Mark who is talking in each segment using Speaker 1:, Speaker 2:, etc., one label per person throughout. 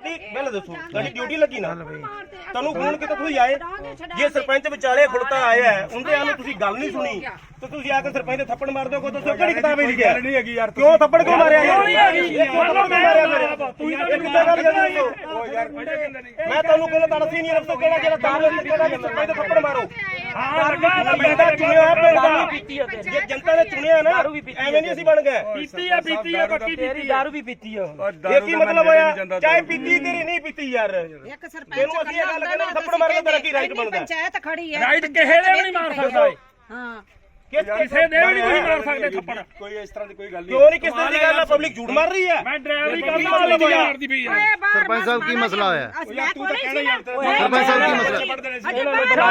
Speaker 1: ਪਹਿਲਾਂ ਦੱਸੋ ਤੁਹਾਡੀ ਡਿਊਟੀ ਲੱਗੀ ਨਾ ਤੁਹਾਨੂੰ ਫੋਨ ਕੀਤਾ ਤੁਸੀਂ ਆਏ ਜੇ ਸਰਪੰਚ ਵਿਚਾਲੇ ਖੁੜਤਾ ਆਇਆ ਉਹਦੇ ਆਨੂੰ ਤੁਸੀਂ ਗੱਲ ਨਹੀਂ ਸੁਣੀ ਤੇ ਤੁਸੀਂ ਆ ਕੇ ਸਰਪੰਚ ਦੇ ਥੱਪੜ ਮਾਰ ਦਿਓ ਕੋਈ ਦੱਸੋ ਕਿਹੜੀ ਕਿਤਾਬ ਵਿੱਚ ਲਿਖਿਆ ਨਹੀਂ ਹੈਗੀ ਯਾਰ ਕਿਉਂ ਥੱਪੜ ਕਿਉਂ ਮਾਰਿਆ ਮੈਂ ਤੁਹਾਨੂੰ ਕਹਿੰਦਾ ਤੁਹਾਡਾ ਸੀਨੀਅਰ ਅਫਸਰ ਕਿਹੜਾ ਜਿਹੜਾ ਸਰਪੰਚ ਦੇ ਥੱਪੜ ਮਾਰੋ ਜੇ ਜਨਤਾ ਨੇ ਚੁਣਿਆ ਨਾ ਐਵੇਂ ਨਹੀਂ ਅਸੀਂ ਬਣ ਗਏ ਪੀਤੀ ਆ ਪੱਕੀ ਤੇਰੀ ਦਾਰੂ ਵੀ ਪੀਤੀ ਆ ਇਹ ਕੀ ਮਤਲਬ ਹੋਇਆ ਚਾਹੇ ਪੀਤੀ ਤੇਰੀ ਨਹੀਂ ਪੀਤੀ ਯਾਰ
Speaker 2: ਇੱਕ ਸਰਪੰਚ ਇਹਨੂੰ
Speaker 1: ਅਸੀਂ ਇਹ ਗੱਲ ਕਹਿੰਦੇ ਥੱਪੜ ਮਾਰਨ ਦਾ ਕੀ ਰਾਈਟ ਬਣਦਾ
Speaker 2: ਪੰਚਾਇਤ ਖੜੀ ਹੈ
Speaker 3: ਰਾਈਟ ਕਿਸੇ ਦੇ ਵੀ ਨਹੀਂ ਮਾਰ ਸਕਦਾ
Speaker 2: ਹਾਂ
Speaker 3: ਕਿਸੇ ਦੇ ਵੀ ਨਹੀਂ ਤੁਸੀਂ ਮਾਰ ਸਕਦੇ ਥੱਪੜ
Speaker 1: ਕੋਈ ਇਸ ਤਰ੍ਹਾਂ ਦੀ ਕੋਈ ਗੱਲ ਨਹੀਂ ਕਿਉਂ ਨਹੀਂ ਕਿਸ ਤਰ੍ਹਾਂ ਦੀ ਗੱਲ ਆ ਪਬਲਿਕ ਝੂਠ ਮਾਰ ਰਹੀ ਹੈ
Speaker 3: ਮੈਂ ਡਰਾਈਵਰੀ ਕਰਦਾ ਵਾਲੀ ਨਹੀਂ ਮਾਰਦੀ ਪਈ ਯਾਰ
Speaker 4: ਸਰਪੰਚ ਸਾਹਿਬ ਕੀ ਮਸਲਾ ਹੋਇਆ
Speaker 2: ਤੂੰ ਤਾਂ ਕਹਿਣਾ ਯਾਰ
Speaker 4: ਸਰਪੰਚ ਸਾਹਿਬ ਕੀ ਮਸਲਾ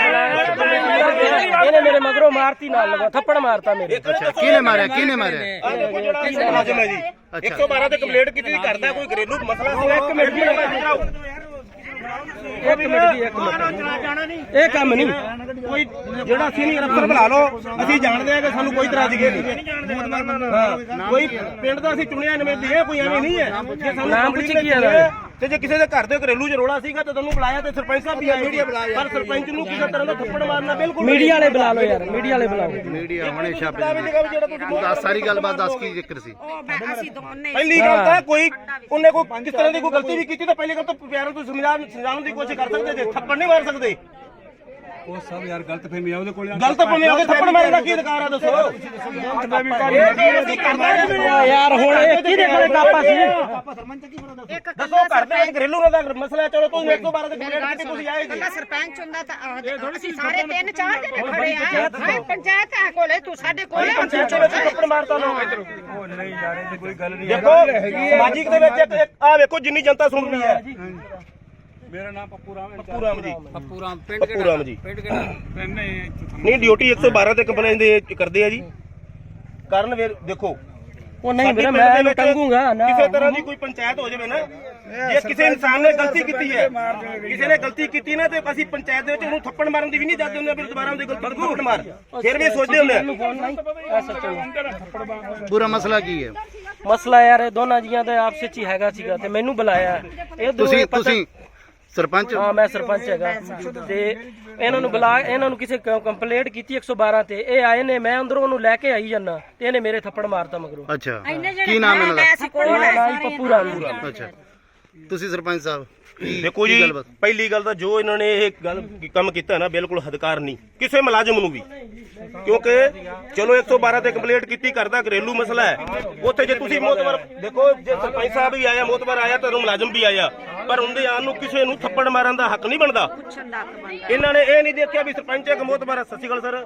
Speaker 5: ਇਹਨੇ ਮੇਰੇ ਮਗਰੋਂ ਮਾਰਤੀ ਨਾਲ ਲਗਾ ਥੱਪੜ ਮਾਰਤਾ ਮੇਰੇ
Speaker 4: ਕਿਹਨੇ ਮਾਰਿਆ
Speaker 1: ਆ ਦੇਖੋ ਜਿਹੜਾ ਮੁਲਾਜ਼ਮ ਹੈ ਜੀ 112 ਤੇ ਕੰਪਲੇਂਟ ਕੀਤੀ ਕਰਦਾ ਕੋਈ ਘਰੇਲੂ ਮਸਲਾ ਸੀ ਇੱਕ ਮਿੰਟ
Speaker 5: ਜੀ ਇਹ ਕੰਮ ਨਹੀਂ
Speaker 1: ਕੋਈ ਜਿਹੜਾ ਸੀਨੀਅਰ ਅਫਸਰ ਬੁਲਾ ਲਓ ਅਸੀਂ ਜਾਣਦੇ ਆ ਕਿ ਸਾਨੂੰ ਕੋਈ ਇਤਰਾਜ਼ਗੀ ਨਹੀਂ ਕੋਈ ਪਿੰਡ ਦਾ ਅਸੀਂ ਚੁਣਿਆ ਨਵੇਂ ਇਹ ਕੋਈ ਐਵੇਂ ਨਹੀਂ ਹੈ ਜੇ ਸਾਨੂੰ
Speaker 5: ਨਾਮ ਪੁੱਛੀ ਕੀ ਹੈ
Speaker 1: ਤੇ ਜੇ ਕਿਸੇ ਦੇ ਘਰ ਦੇ ਘਰੇਲੂ ਚ ਰੋਲਾ ਸੀਗਾ ਤਾਂ ਤੁਹਾਨੂੰ ਬੁਲਾਇਆ ਤੇ ਸਰਪੰਚ ਸਾਹਿਬ ਵੀ ਆਏ ਪਰ ਸਰਪੰਚ ਨੂੰ ਕਿਸੇ ਤਰ੍ਹਾਂ ਦਾ ਥੱਪੜ ਮਾਰਨਾ ਬਿਲਕੁਲ
Speaker 5: ਮੀਡੀਆ ਵਾਲੇ ਬੁਲਾ ਲਓ ਯਾਰ ਮੀਡੀਆ ਵਾਲੇ ਬੁਲਾਓ
Speaker 4: ਮੀਡੀਆ ਹੁਣੇ ਛਾਪੇ ਸਾਰੀ ਗੱਲਬਾਤ ਦੱਸ ਕੀ ਜ਼ਿਕਰ ਸੀ
Speaker 2: ਅਸੀਂ ਦੋਨੇ
Speaker 1: ਪਹਿਲੀ ਗੱਲ ਤਾਂ ਕੋਈ ਉਹਨੇ ਕੋਈ ਕਿਸ ਤਰ੍ਹਾਂ ਦੀ ਕੋਈ ਗਲਤੀ ਵੀ ਕੀਤੀ ਤਾਂ ਪਹਿਲੀ ਗੱਲ ਤਾਂ ਪਿਆਰਾਂ ਤੋਂ ਸਮਝਾਉਣ ਦੀ ਕੋਸ਼ਿਸ਼ ਕਰ ਸਕਦੇ ਜੇ ਥੱਪੜ ਨਹੀਂ ਮਾਰ ਸਕਦੇ
Speaker 6: ਉਹ ਸਭ ਯਾਰ ਗਲਤ ਫਹਿਮੀ ਆ ਉਹਦੇ ਕੋਲ
Speaker 1: ਗਲਤ ਫਹਿਮੀ ਉਹਦੇ ਥੱਪੜ ਮਾਰਨ ਦਾ ਕੀ ਅਧਿਕਾਰ ਆ ਦੱਸੋ
Speaker 5: ਯਾਰ ਹੁਣ ਇਹ ਕਿਹਦੇ ਕੋਲੇ ਕਾਪਾ ਸੀ
Speaker 1: ਦੱਸੋ ਘਰ ਦੇ ਘਰੇਲੂ ਦਾ ਮਸਲਾ ਚਲੋ ਤੁਸੀਂ 112 ਤੇ ਕੰਪਲੇਂਟ ਕੀਤੀ ਤੁਸੀਂ ਆਏ ਜੀ
Speaker 2: ਸਰਪੰਚ ਹੁੰਦਾ ਤਾਂ ਅਸੀਂ ਸਾਰੇ 3-4 ਜਣੇ ਖੜੇ ਆ ਪੰਚਾਇਤ ਆ ਕੋਲੇ ਤੂੰ ਸਾਡੇ ਕੋਲੇ
Speaker 1: ਪੰਚਾਇਤ ਵਿੱਚ ਥੱਪੜ ਮਾਰਤਾ ਲੋਕ
Speaker 6: ਉਹ ਨਹੀਂ ਯਾਰ ਇਹ ਕੋਈ ਗੱਲ ਨਹੀਂ
Speaker 1: ਦੇਖੋ ਸਮਾਜਿਕ ਦੇ ਵਿੱਚ ਆ ਵੇਖੋ ਜਿੰਨੀ ਜਨਤਾ ਸੁਣ ਰਹੀ ਹੈ
Speaker 6: ਮੇਰਾ ਨਾਮ ਪੱਪੂ ਰਾਮ
Speaker 1: ਪੱਪੂ ਰਾਮ ਜੀ
Speaker 3: ਪੱਪੂ ਰਾਮ
Speaker 1: ਪੱਪੂ ਰਾਮ ਜੀ
Speaker 6: ਨਹੀਂ
Speaker 1: ਨਹੀਂ ਡਿਊਟੀ 112 ਤੇ ਕੰਪਲੇਂਟ ਦੇ ਕਰਦੇ ਆ ਜੀ ਕਾਰਨ ਦੇਖੋ
Speaker 5: ਉਹ ਨਹੀਂ ਵੀਰੇ ਮੈਂ ਇਹਨੂੰ ਟੰਗੂਗਾ ਨਾ
Speaker 1: ਕਿਸੇ ਤਰ੍ਹਾਂ ਦੀ ਕੋਈ ਪੰਚਾਇਤ ਹੋ ਜਾਵੇ ਨਾ ਜੇ ਕਿਸੇ ਇਨਸਾਨ ਨੇ ਗਲਤੀ ਕੀਤੀ ਹੈ ਕਿਸੇ ਨੇ ਗਲਤੀ ਕੀਤੀ ਨਾ ਤੇ ਅਸੀਂ ਪੰਚਾਇਤ ਦੇ ਵਿੱਚ ਉਹਨੂੰ ਥੱਪੜ ਮਾਰਨ ਦੀ ਵੀ ਨਹੀਂ ਦੱਸਦੇ ਹੁੰਦੇ ਫਿਰ ਦੁਬਾਰਾ ਉਹਦੀ ਗਲਤੀ ਨੂੰ ਥੱਪੜ ਮਾਰ ਫਿਰ ਵੀ ਸੋਚਦੇ ਹੁੰਦੇ
Speaker 4: ਪੂਰਾ ਮਸਲਾ ਕੀ ਹੈ
Speaker 5: ਮਸਲਾ ਯਾਰ ਇਹ ਦੋਨਾਂ ਜੀਆਂ ਦਾ ਆਪਸ ਵਿੱਚ ਹੀ ਹੈਗਾ ਸੀਗਾ ਤੇ ਮੈਨੂੰ ਬੁਲਾਇਆ ਇਹ
Speaker 4: ਤੁਸੀਂ ਸਰਪੰਚ
Speaker 5: ਹਾਂ ਮੈਂ ਸਰਪੰਚ ਹੈਗਾ ਤੇ ਇਹਨਾਂ ਨੂੰ ਬੁਲਾ ਇਹਨਾਂ ਨੂੰ ਕਿਸੇ ਕੰਪਲੇਂਟ ਕੀਤੀ 112 ਤੇ ਇਹ ਆਏ ਨੇ ਮੈਂ ਅੰਦਰੋਂ ਉਹਨੂੰ ਲੈ ਕੇ ਆਈ ਜਾਂਦਾ ਤੇ ਇਹਨੇ ਮੇਰੇ ਥੱਪੜ ਮਾਰਤਾ ਮਗਰੋਂ
Speaker 4: ਅੱਛਾ ਕੀ ਨਾਮ ਇਹਨਾਂ ਦਾ
Speaker 5: ਪੱਪੂ ਰਾਮ
Speaker 4: ਅੱਛਾ ਤੁਸੀਂ ਸਰਪੰਚ ਸਾਹਿਬ
Speaker 1: ਦੇਖੋ ਜੀ ਪਹਿਲੀ ਗੱਲ ਤਾਂ ਜੋ ਇਹਨਾਂ ਨੇ ਇਹ ਗੱਲ ਕੰਮ ਕੀਤਾ ਨਾ ਬਿਲਕੁਲ ਹਦਕਾਰ ਨਹੀਂ ਕਿਸੇ ਮੁਲਾਜ਼ਮ ਨੂੰ ਵੀ ਕਿਉਂਕਿ ਚਲੋ 112 ਤੇ ਕੰਪਲੇਂਟ ਕੀਤੀ ਕਰਦਾ ਘਰੇਲੂ ਮਸਲਾ ਹੈ ਉੱਥੇ ਜੇ ਤੁਸੀਂ ਮੋਤਬਰ ਦੇਖੋ ਜੇ ਸਰਪੰਚ ਸਾਹਿਬ ਵੀ ਆਇਆ ਮੋਤਬਰ ਆਇਆ ਤਾਂ ਮੁਲਾਜ਼ਮ ਵੀ ਆਇਆ ਪਰ ਉਹਦੇ ਆਉਣ ਨੂੰ ਕਿਸੇ ਨੂੰ ਥੱਪੜ ਮਾਰਨ ਦਾ ਹੱਕ ਨਹੀਂ ਬਣਦਾ ਇਹਨਾਂ ਨੇ ਇਹ ਨਹੀਂ ਦੇਖਿਆ ਵੀ ਸਰਪੰਚ ਇੱਕ ਮੋਤਬਰ ਸਤਿ ਸ਼੍ਰੀ ਅਕਾਲ ਸਰ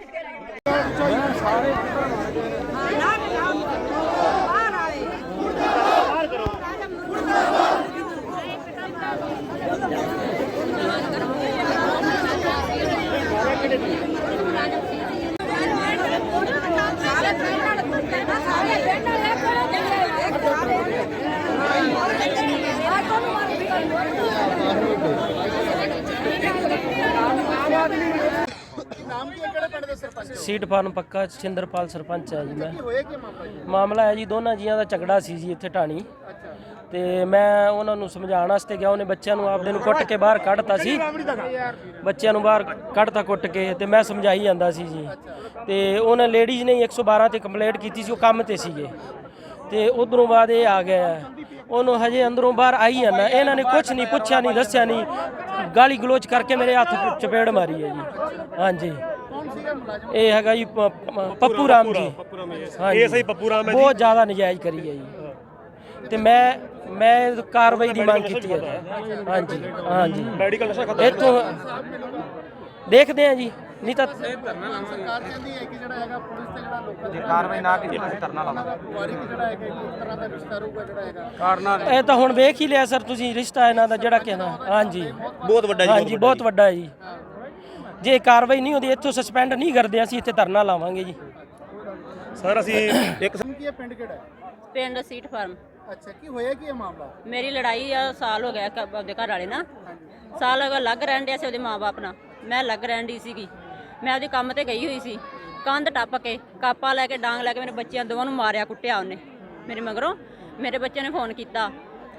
Speaker 5: ਸੀਟ ਫਾਰਮ ਪੱਕਾ ਸਿੰਦਰਪਾਲ ਸਰਪੰਚ ਹੈ ਜੀ ਮੈਂ ਮਾਮਲਾ ਹੈ ਜੀ ਦੋਨਾਂ ਜੀਆਂ ਦਾ ਝਗੜਾ ਸੀ ਜੀ ਇੱਥੇ ਢਾਣੀ ਤੇ ਮੈਂ ਉਹਨਾਂ ਨੂੰ ਸਮਝਾਉਣ ਵਾਸਤੇ ਗਿਆ ਉਹਨੇ ਬੱਚਿਆਂ ਨੂੰ ਆਪਦੇ ਨੂੰ ਕੁੱਟ ਕੇ ਬਾਹਰ ਕੱਢਤਾ ਸੀ ਬੱਚਿਆਂ ਨੂੰ ਬਾਹਰ ਕੱਢਤਾ ਕੁੱਟ ਕੇ ਤੇ ਮੈਂ ਸਮਝਾਈ ਜਾਂਦਾ ਸੀ ਜੀ ਤੇ ਉਹਨਾਂ ਲੇਡੀਜ਼ ਨੇ 112 ਤੇ ਕੰਪਲੇਂਟ ਕੀਤੀ ਸੀ ਉਹ ਕੰਮ ਤੇ ਸੀਗੇ ਤੇ ਉਧਰੋਂ ਬਾਅਦ ਇਹ ਆ ਗਿਆ ਉਹਨੂੰ ਹਜੇ ਅੰਦਰੋਂ ਬਾਹਰ ਆਈ ਜਾਂਦਾ ਇਹਨਾਂ ਨੇ ਕੁਝ ਨਹੀਂ ਪੁੱਛਿਆ ਨਹੀਂ ਦੱਸਿਆ ਨਹੀਂ ਗਾਲੀ ਗਲੋਚ ਕਰਕੇ ਮੇਰੇ ਹੱਥ ਚਪੇੜ ਮਾਰੀ ਹੈ ਜੀ ਹਾਂਜੀ ਇਹ ਹੈਗਾ ਜੀ ਪੱਪੂ ਰਾਮ ਜੀ
Speaker 1: ਇਹ ਸਹੀ ਪੱਪੂ ਰਾਮ ਹੈ ਜੀ
Speaker 5: ਬਹੁਤ ਜ਼ਿਆਦਾ ਨਜਾਇਜ਼ ਕਰੀ ਹੈ ਜੀ ਤੇ ਮੈਂ ਕਾਰਵਾਈ ਦੀ ਮੰਗ ਕੀਤੀ ਹੈ ਹਾਂਜੀ ਹਾਂਜੀ
Speaker 1: ਮੈਡੀਕਲ ਨਸ਼ਾ ਖਤਮ
Speaker 5: ਇੱਥੋਂ ਦੇਖਦੇ ਆ ਜੀ ਨਹੀਂ ਤਾਂ
Speaker 4: ਸਰਕਾਰ ਕਹਿੰਦੀ ਹੈ ਕਿ ਜਿਹੜਾ ਹੈਗਾ ਪੁਲਿਸ ਤੇ ਜਿਹੜਾ ਲੋਕਾਂ
Speaker 6: ਜੇ ਕਾਰਵਾਈ ਨਾ ਕੀਤੀ ਤਾਂ ਧਰਨਾ ਲਾਵਾਂਗੇ
Speaker 4: ਵਾਰੀ ਜਿਹੜਾ ਹੈਗਾ ਇੱਕ ਤਰ੍ਹਾਂ ਦਾ ਰਿਸ਼ਤਾ ਰਹੂਗਾ ਜਿਹੜਾ ਹੈਗਾ
Speaker 5: ਇਹ ਤਾਂ ਹੁਣ ਵੇਖ ਹੀ ਲਿਆ ਸਰ ਤੁਸੀਂ ਰਿਸ਼ਤਾ ਇਹਨਾਂ ਦਾ ਜਿਹੜਾ ਕਹਿਣਾ ਹਾਂਜੀ
Speaker 1: ਬਹੁਤ ਵੱਡਾ ਜੀ
Speaker 5: ਹਾਂਜੀ ਬਹੁਤ ਵੱਡਾ ਹੈ ਜੀ ਜੇ ਕਾਰਵਾਈ ਨਹੀਂ ਹੁੰਦੀ ਇੱਥੋਂ ਸਸਪੈਂਡ ਨਹੀਂ ਕਰਦੇ ਅਸੀਂ ਇੱਥੇ ਧਰਨਾ ਲਾਵਾਂਗੇ ਜੀ
Speaker 1: ਸਰ ਅਸੀਂ ਇੱਕ
Speaker 4: ਕੀ ਹੈ ਪਿੰਡ ਕਿਹੜਾ ਹੈ
Speaker 7: ਪਿੰਡ ਸੀਟ ਫਾਰਮ
Speaker 4: ਅੱਛਾ ਕੀ ਹੋਇਆ ਕੀ ਹੈ ਮਾਮਲਾ
Speaker 7: ਮੇਰੀ ਲੜਾਈ ਆ ਸਾਲ ਹੋ ਗਿਆ ਆਪਦੇ ਘਰ ਵਾਲੇ ਨਾਲ ਸਾਲ ਹੋ ਗਿਆ ਲੱਗ ਰਹਿਣ ਡਿਆ ਸੀ ਉਹਦੇ ਮਾਂ-ਬਾਪ ਨਾਲ ਮੈਂ ਲੱਗ ਰਹਿਣ ਦੀ ਸੀਗੀ ਮੈਂ ਉਹਦੇ ਕੰਮ ਤੇ ਗਈ ਹੋਈ ਸੀ ਕੰਧ ਟੱਪ ਕੇ ਕਾਪਾ ਲੈ ਕੇ ਡਾਂਗ ਲੈ ਕੇ ਮੇਰੇ ਬੱਚਿਆਂ ਦੋਵਾਂ ਨੂੰ ਮਾਰਿਆ ਕੁੱਟਿਆ ਉਹਨੇ ਮੇਰੇ ਮਗਰੋਂ ਮੇਰੇ ਬੱਚਿਆਂ ਨੇ ਫੋਨ ਕੀਤਾ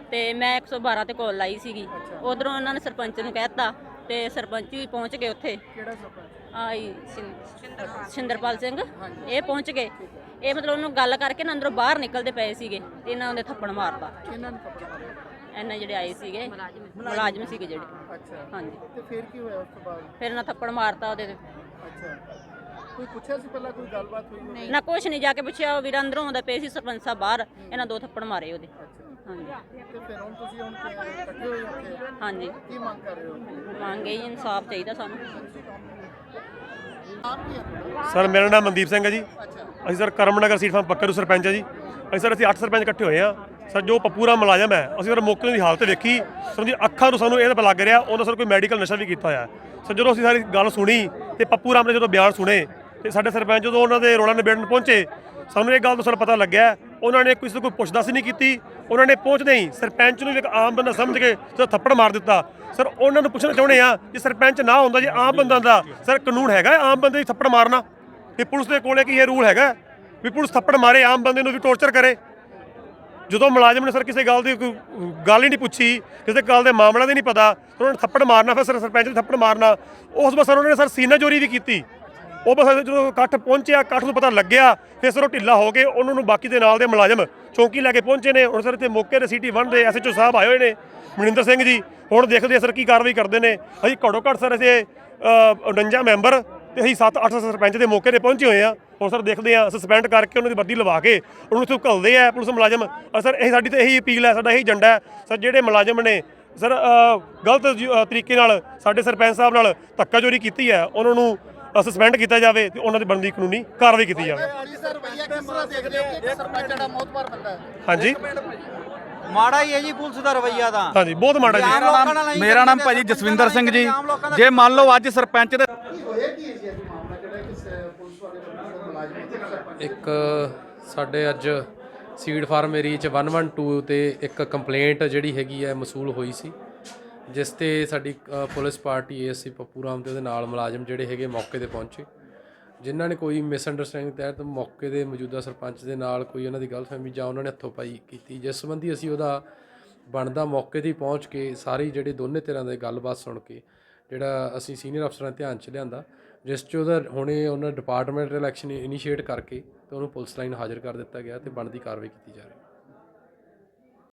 Speaker 7: ਤੇ ਮੈਂ 112 ਤੇ ਕਾਲ ਲਾਈ ਸੀਗੀ। ਉਧਰੋਂ ਉਹਨਾਂ ਨੇ ਸਰਪੰਚ ਨੂੰ ਕਹਿਤਾ ਤੇ ਸਰਪੰਚ ਵੀ ਪਹੁੰਚ ਗਏ ਉੱਥੇ।
Speaker 4: ਕਿਹੜਾ ਸਰਪੰਚ?
Speaker 7: ਆਈ ਸਿੰਦਰਪਾਲ ਸਿੰਘ ਇਹ ਪਹੁੰਚ ਗਏ। ਇਹ ਮਤਲਬ ਉਹਨੂੰ ਗੱਲ ਕਰਕੇ ਨਾ ਅੰਦਰੋਂ ਬਾਹਰ ਨਿਕਲਦੇ ਪਏ ਸੀਗੇ ਤੇ ਇਹਨਾਂ ਉਹਦੇ ਥੱਪੜ ਮਾਰਤਾ।
Speaker 4: ਇਹਨਾਂ ਨੂੰ ਥੱਪੜ ਮਾਰਿਆ?
Speaker 7: ਇਹਨਾਂ ਜਿਹੜੇ ਆਏ ਸੀਗੇ ਮੁਲਾਜ਼ਮ ਸੀਗੇ ਜਿਹੜੇ।
Speaker 4: ਅੱਛਾ,
Speaker 7: ਹਾਂਜੀ,
Speaker 4: ਤੇ ਫਿਰ ਕੀ ਹੋਇਆ ਉਸ ਤੋਂ ਬਾਅਦ?
Speaker 7: ਫਿਰ ਇਹਨਾਂ ਥੱਪੜ ਮਾਰਤਾ ਉਹਦੇ ਤੇ।
Speaker 4: ਅੱਛਾ, ਕੋਈ ਪੁੱਛਿਆ ਸੀ ਪਹਿਲਾਂ, ਕੋਈ ਗੱਲਬਾਤ ਹੋਈ ਹੋਵੇ?
Speaker 7: ਨਾ ਕੁਛ ਨਹੀਂ, ਜਾ ਕੇ ਪੁੱਛਿਆ ਉਹ ਵੀਰ ਅੰਦਰੋਂ ਆਉਂਦਾ ਪਏ ਸੀ ਸਰਪੰਚ ਸਾਹਿਬ ਬਾਹਰ, ਇਹਨਾਂ 2 ਥੱਪੜ ਮਾਰੇ ਉਹਦੇ। ਹਾਂਜੀ,
Speaker 4: ਤੇ ਫਿਰ ਹੁਣ ਤੁਸੀਂ ਇਕੱਠੇ ਹੋਏ ਉੱਥੇ,
Speaker 7: ਹਾਂਜੀ
Speaker 4: ਕੀ ਮੰਗ ਕਰ ਰਹੇ ਹੋ?
Speaker 7: ਮੰਗੇ ਇਨਸਾਫ ਚਾਹੀਦਾ ਸਾਨੂੰ।
Speaker 4: ਨਾਮ ਕੀ ਹੈ ਤੁਹਾਡਾ?
Speaker 8: ਸਰ ਮੇਰਾ ਨਾਮ ਮਨਦੀਪ ਸਿੰਘ ਹੈ ਜੀ। ਅਸੀਂ ਸਰ ਕਰਮਨਗਰ ਸੀਟ ਫਾਰਮ ਪੱਕੇ ਤੋਂ ਸਰਪੰਚ ਹੈ ਜੀ। ਅਸੀਂ 8 ਸਰਪੰਚ ਇਕੱਠੇ ਹੋਏ ਆ ਸਰ। ਜੋ ਪਪੂਰਾ ਮੁਲਾਜ਼ਮ ਹੈ, ਅਸੀਂ ਸਰ ਮੌਕੇ ਦੀ ਹਾਲਤ ਵੇਖੀ ਸਰ ਜੀ, ਅੱਖਾਂ ਤੋਂ ਸਾਨੂੰ ਇਹ ਤਾਂ ਲੱਗ ਰਿਹਾ ਉਹਨਾਂ ਸਰ ਕੋਈ ਮੈਡੀਕਲ ਨਸ਼ਾ ਵੀ ਕੀਤਾ ਹੋਇਆ ਸਰ। ਜਦੋਂ ਅਸੀਂ ਸਾਰੀ ਗੱਲ ਸੁਣੀ ਤੇ ਪੱਪੂ ਰਾਮ ਨੇ ਜਦੋਂ ਬਿਆਨ ਸੁਣੇ ਤੇ ਸਾਡੇ ਸਰਪੰਚ ਜਦੋਂ ਉਹਨਾਂ ਦੇ ਰੋਲਾ ਨਿਬੇੜਨ ਪਹੁੰਚੇ, ਸਾਨੂੰ ਇਹ ਗੱਲ ਤੋਂ ਸਰ ਪਤਾ ਲੱਗਿਆ ਉਹਨਾਂ ਨੇ ਕਿਸੇ ਤੋਂ ਕੋਈ ਪੁੱਛਦਾਸ ਨਹੀਂ ਕੀਤੀ। ਉਹਨਾਂ ਨੇ ਪਹੁੰਚਦੇ ਹੀ ਸਰਪੰਚ ਨੂੰ ਵੀ ਇੱਕ ਆਮ ਬੰਦਾ ਸਮਝ ਕੇ ਸਰ ਥੱਪੜ ਮਾਰ ਦਿੱਤਾ। ਸਰ ਉਹਨਾਂ ਨੂੰ ਪੁੱਛਣਾ ਚਾਹੁੰਦੇ ਆ ਜੇ ਸਰਪੰਚ ਨਾ ਹੁੰਦਾ, ਜੇ ਆਮ ਬੰਦਾ ਦਾ ਸਰ ਕਾਨੂੰਨ ਹੈਗਾ ਆਮ ਬੰਦੇ ਦੀ ਥੱਪੜ ਮਾਰਨਾ? ਤੇ ਪੁਲਿਸ ਦੇ ਕੋਲੇ ਕੀ ਇਹ ਰੂਲ ਹੈਗਾ ਵੀ ਪੁਲਿਸ ਥੱਪੜ ਮਾਰੇ ਆਮ ਬੰਦੇ ਨੂੰ ਵੀ ਟੌਰਚਰ ਕਰੇ? ਜਦੋਂ ਮੁਲਾਜ਼ਮ ਨੇ ਸਰ ਕਿਸੇ ਗੱਲ ਦੀ ਕੋਈ ਗੱਲ ਹੀ ਨਹੀਂ ਪੁੱਛੀ, ਕਿਸੇ ਗੱਲ ਦੇ ਮਾਮਲਾ ਦੇ ਨਹੀਂ ਪਤਾ, ਉਹਨਾਂ ਨੇ ਥੱਪੜ ਮਾਰਨਾ, ਫਿਰ ਸਰ ਸਰਪੰਚ ਨੂੰ ਥੱਪੜ ਮਾਰਨਾ। ਉਸ ਬਸ ਉਹਨਾਂ ਨੇ ਸਰ ਸੀਨਾ ਚੋਰੀ ਵੀ ਕੀਤੀ। ਉਹ ਬਸ ਜਦੋਂ ਇਕੱਠ ਪਹੁੰਚਿਆ, ਇਕੱਠ ਨੂੰ ਪਤਾ ਲੱਗਿਆ, ਫਿਰ ਸਰ ਉਹ ਢਿੱਲਾ ਹੋ ਕੇ ਉਹਨਾਂ ਨੂੰ ਬਾਕੀ ਦੇ ਨਾਲ ਦੇ ਮੁਲਾਜ਼ਮ ਚੌਂਕੀ ਲੈ ਕੇ ਪਹੁੰਚੇ ਨੇ। ਹੁਣ ਸਰ ਇੱਥੇ ਮੌਕੇ 'ਤੇ ਸਿਟੀ 1 ਦੇ SHO ਸਾਹਿਬ ਆਏ ਹੋਏ ਨੇ, ਮਨਿੰਦਰ ਸਿੰਘ ਜੀ। ਹੁਣ ਦੇਖਦੇ ਆ ਸਰ ਕੀ ਕਾਰਵਾਈ ਕਰਦੇ ਨੇ। ਅਸੀਂ ਘੱਟੋ ਘੱਟ ਸਰ ਅਸੀਂ 49 ਮੈਂਬਰ ਤੇ ਅਸੀਂ 7-8 ਸਰਪੰਚ ਦੇ ਮੌਕੇ 'ਤੇ ਪਹੁੰਚੇ ਹੋਏ ਆ। ਹੁਣ ਸਰ ਦੇਖਦੇ ਆ ਸਸਪੈਂਡ ਕਰਕੇ ਉਹਨਾਂ ਦੀ ਵਰਦੀ ਲਵਾ ਕੇ ਉਹਨੂੰ ਇੱਥੋਂ ਘੱਲਦੇ ਆ ਪੁਲਿਸ ਮੁਲਾਜ਼ਮ। ਸਰ ਇਹ ਸਾਡੀ ਤਾਂ ਇਹੀ ਅਪੀਲ ਹੈ, ਸਾਡਾ ਇਹੀ ਏਜੰਡਾ ਹੈ ਸਰ। ਜਿਹੜੇ ਮੁਲਾਜ਼ਮ ਨੇ ਸਰ ਗਲਤ ਤਰੀਕੇ ਨਾਲ ਸਾਡੇ ਸਰਪੰਚ ਸਾਹਿਬ ਨਾਲ ਧੱਕਾਚੋਰੀ ਕੀਤੀ ਹੈ, ਉਹਨਾਂ ਨੂੰ ਸਸਪੈਂਡ ਕੀਤਾ ਜਾਵੇ ਤੇ ਉਹਨਾਂ ਦੀ ਬਣਦੀ ਕਾਨੂੰਨੀ ਕਾਰਵਾਈ ਕੀਤੀ ਜਾਵੇ।
Speaker 4: ਸਰ ਰਵੱਈਆ ਕਿਸ ਤਰ੍ਹਾਂ ਦੇਖਦੇ ਹੋ ਕਿ ਸਰਪੰਚ ਜਿਹੜਾ ਮੌਤਬਾਰ ਬੰਦਾ ਹੈ?
Speaker 8: ਹਾਂਜੀ,
Speaker 6: ਮਾੜਾ ਹੀ ਹੈ ਜੀ ਪੁਲਿਸ ਦਾ ਰਵੱਈਆ ਤਾਂ।
Speaker 8: ਹਾਂਜੀ ਬਹੁਤ ਮਾੜਾ ਜੀ।
Speaker 6: ਮੇਰਾ ਨਾਮ ਭਾਜੀ ਜਸਵਿੰਦਰ ਸਿੰਘ ਜੀ। ਜੇ ਮੰਨ ਲਓ ਅੱਜ ਸਰਪੰਚ ਦੇ
Speaker 4: ਹੋਇਆ ਕੀ ਹੈ ਜੀ ਅੱਜ ਮਾਮਲਾ ਜਿਹੜਾ ਕਿ ਪੁਲਿਸ ਵਾਲੇ ਬੰਦੇ ਦਾ ਮੁਲਾਜ਼ਮ ਸਰਪੰਚ?
Speaker 9: ਇੱਕ ਸਾਡੇ ਅੱਜ ਸੀਡ ਫਾਰਮ ਏਰੀਆ 'ਚ 112 ਤੇ ਇੱਕ ਕੰਪਲੇਂਟ ਜਿਹੜੀ ਹੈਗੀ ਹੈ ਮਸੂਲ ਹੋਈ ਸੀ, ਜਿਸ ਤੇ ਸਾਡੀ police party ASC Pappu Ram ਤੇ ਉਹਦੇ ਨਾਲ ਮੁਲਾਜ਼ਮ ਜਿਹੜੇ ਹੈਗੇ ਮੌਕੇ ਤੇ ਪਹੁੰਚੇ, ਜਿਨ੍ਹਾਂ ਨੇ ਕੋਈ ਮਿਸਅੰਡਰਸਟੈਂਡਿੰਗ ਤਹਿਤ ਮੌਕੇ ਦੇ ਮੌਜੂਦਾ ਸਰਪੰਚ ਦੇ ਨਾਲ ਕੋਈ ਉਹਨਾਂ ਦੀ ਗਲਤਫਹਿਮੀ ਜਾਂ ਉਹਨਾਂ ਨੇ ਹੱਥੋਂ ਪਾਈ ਕੀਤੀ, ਜਿਸ ਸੰਬੰਧੀ ਅਸੀਂ ਉਹਦਾ ਬਣਦਾ ਮੌਕੇ 'ਤੇ ਪਹੁੰਚ ਕੇ ਸਾਰੀ ਜਿਹੜੀ ਦੋਨੇ ਧਿਰਾਂ ਦੇ ਗੱਲਬਾਤ ਸੁਣ ਕੇ ਜਿਹੜਾ ਅਸੀਂ ਸੀਨੀਅਰ ਅਫਸਰਾਂ ਦੇ ਧਿਆਨ 'ਚ ਲਿਆਂਦਾ, ਜਿਸ 'ਚ ਉਹਦਾ ਹੁਣੇ ਉਹਨਾਂ ਡਿਪਾਰਟਮੈਂਟ ਇਲੈਕਸ਼ਨ ਇਨੀਸ਼ੀਏਟ ਕਰਕੇ ਤੇ ਉਹਨੂੰ ਪੁਲਿਸ ਲਾਈਨ ਹਾਜ਼ਰ ਕਰ ਦਿੱਤਾ ਗਿਆ ਤੇ ਬਣਦੀ ਕਾਰਵਾਈ ਕੀਤੀ ਜਾ ਰਹੀ ਹੈ।